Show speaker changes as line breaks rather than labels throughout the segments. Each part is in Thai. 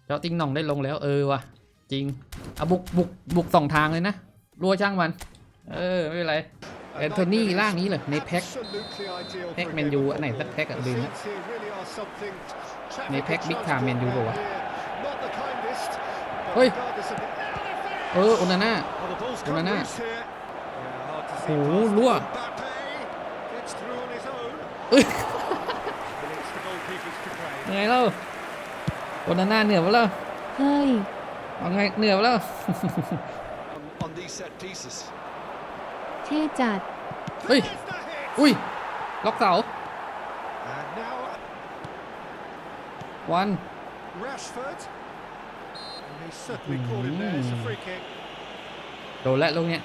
เจ้าติ้งหน่องได้ลงแล้วว่ะจริงเอาบุกสองทางเลยนะรัวช่างมันไม่เป็นไรแอนโทนีล่างนี้เลยในแพ็คแมนยูอันไหนสักแพ็คลืมนะในแพ็คบิ๊กไทม์แมนยูป่าวะเฮ้ยโอนาน่าโหรั่วยังไงเล่าโอนาน่าเหนือวะเล่า
เฮ้ย
เอาไงเหนือวะเล่า
เท่จัด
เฮ้ยอุ้ยล็อกเสาวันโดนแล้วลูกเนี้ย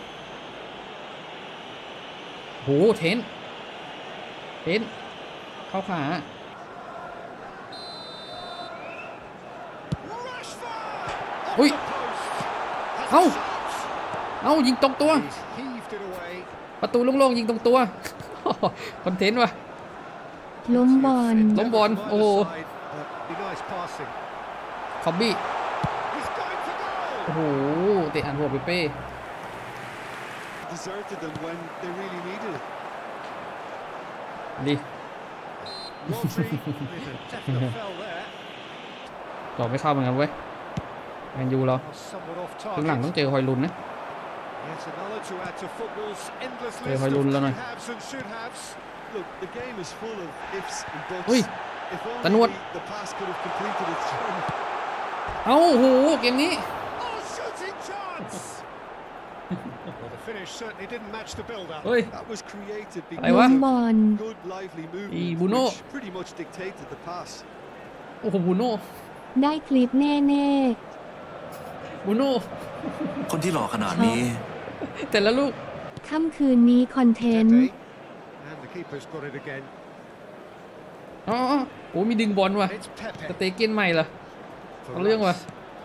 โหเทนเข้าขาอุ้ยเอายิงตรงตัวประตูโล่งๆยิงตรงตัวคอนเทนต์ว่ะ
ล้มบอล
โอ้โหคอบบี้โอ้โหเตะอันหัวเป้ดีต่อไม่เข้าเหมือนกันเว้ยแมนยูเราครึ่งหลังต้องเจอฮอยลุนนะเจอฮอยลุนแล้วหน่อยอุ้ยตะนวดโอ้โหเกมนี้เฮ้ยอะไรวะ
บอล
อีบูโน่โอ้โหบูโน่
ได้คลิปแน่
บูโน่
คนที่หล่อขนาดนี้
แต่ละลูก
ค่ำคืนนี้คอนเทนต์
อ๋อโอ้มีดึงบอลว่ะสเตเก้นใหม่เหรอเอาเรื่องว่ะ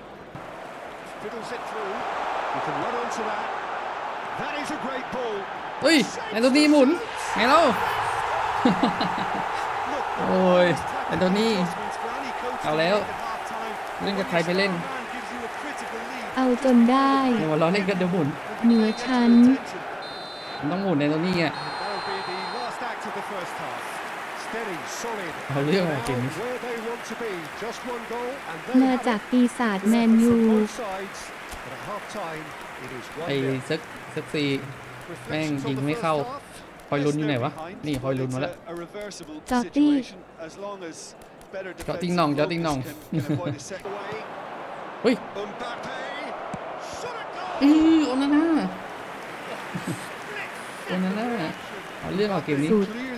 เฮ้ยแอนโทนีหมุนไงเล่าโอ้ยแอนโทนีเอาแล้วเล่นกับใครไปเล่น
เอาจนได้
เดี๋ยวเราเล่นกันเดี๋ยวหมุน
เหนือชั้น
มันต้องหมุนแอนโทนีอ่ะเอาเรื่องอะไรเกมนี้
มาจากปีศาจแมนยู
ไอ้เซ็กซี่แม่งยิงไม่เข้าฮอยลุนอยู่ไหนวะนี่ฮอยลุนมาแล้ว
จอตี้
เจาะติ้งหน่องเฮ้ยโอนาน่าเอาเรื่องเอาเกมนี้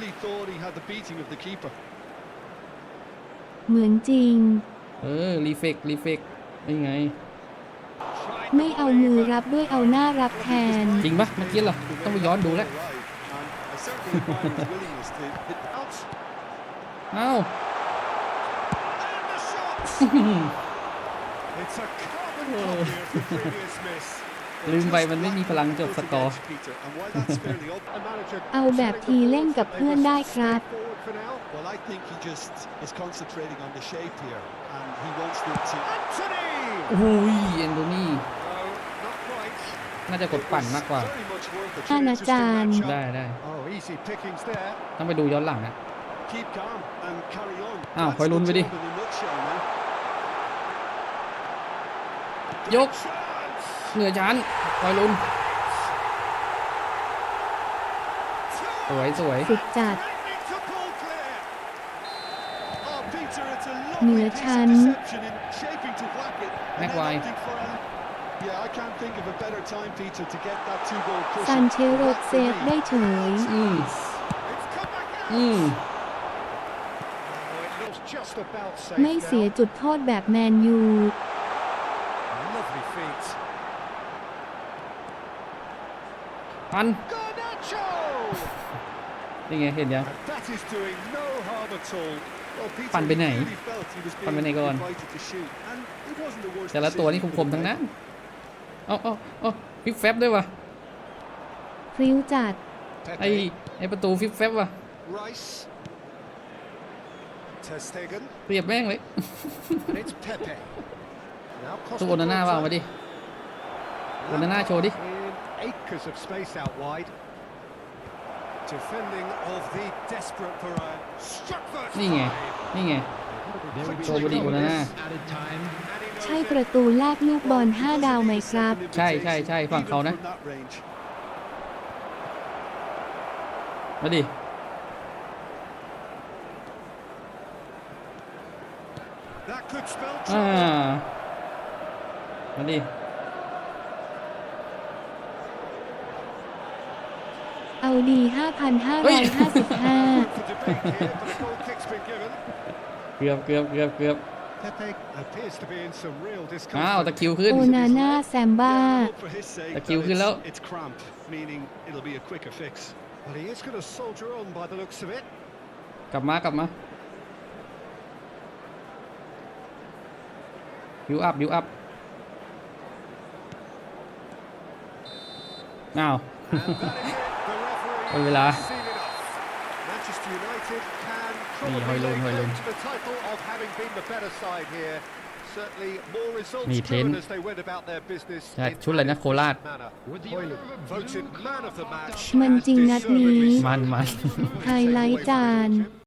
เหมือนจริง
รีเฟกยังไง
ไม่เอามือรับด้วยเอาหน้ารับแทน
จริงปะเมื่อกี้เหรอต้องไปย้อนดูแล้วเอ้าลืมไปมันไม่มีพลังจบสกอร์
เอาแบบทีเล่นกับเพื่อนได้ครับ
โอ้ยเอนโดนี่น่าจะกดปั่นมากกว่า
อาจารย์
ได้ต้องไปดูย้อนหลังอ่ะอ้าวคอยลุ้นไปดิยกเหนือชั้นคอยลุ้นสวย
สุดจัดเหนือชั้น
แม็กไว
ซันเชโรเซฟได้เฉยไม่เสียจุดโทษแบบแมนยู
ปันนี่ไงเห็นยังปั่นไปไหนก่อนแต่ละตัวนี่คมๆทั้งนั้นเอาฟิกแฟบด้วยวะ
พริ้วจัด
ไอประตูฟิกแฟบวะ
Ter Stegen.
เปรียบแม่งเลย
And it's Pepe. Now
ตัวโอนาน่าว่ามาดิ โอนาน่าโชว์ดิ
In acres of space out wide. Defending of the desperate Varane. Struck first
นี่ไง
time.
นี่ไง โชว์บอดี้โอนาน่า
ใช่ประตูแรกลูกบอล5 ดาวไหมครับ
ใช่ใช่ใช่ฝั่งเขานะ
Even from that range.
มาดิ
That could spell
อ่า
trouble.
มาดิ
เอาดี 5,555
For debate here, but a goal kick's been given.
เกือบเกือบเกือบเกือบ
Pepe appears to be in some real
อ้าว
discomfort.
ตะคริวขึ้น
โอนาน่าแซมบ้า
For his sake,
Thank you,
though,
Hillo.
it's cramp, meaning it'll be a quicker fix. Well, he is going to soldier on by the looks of it.
กลับมากลับมาบิวอัพบิวอัพอ้าว
And that is it. The referee
เอาเวลา
has seen it off. Manchester United can
Hoi
probably
Lun,
lay
Hoi Lun.
claim to the title of having been the better side here. Certainly more results
Ni
driven
Ten.
as they went about their business
ใช่
in
ชุดอะไรนะ
an
โคราช
efficient manner. Hoi Lun voted man of the match
มัน
and
จริงนัดนี้
deservedly so.
มัน
ไฮไลท์จาน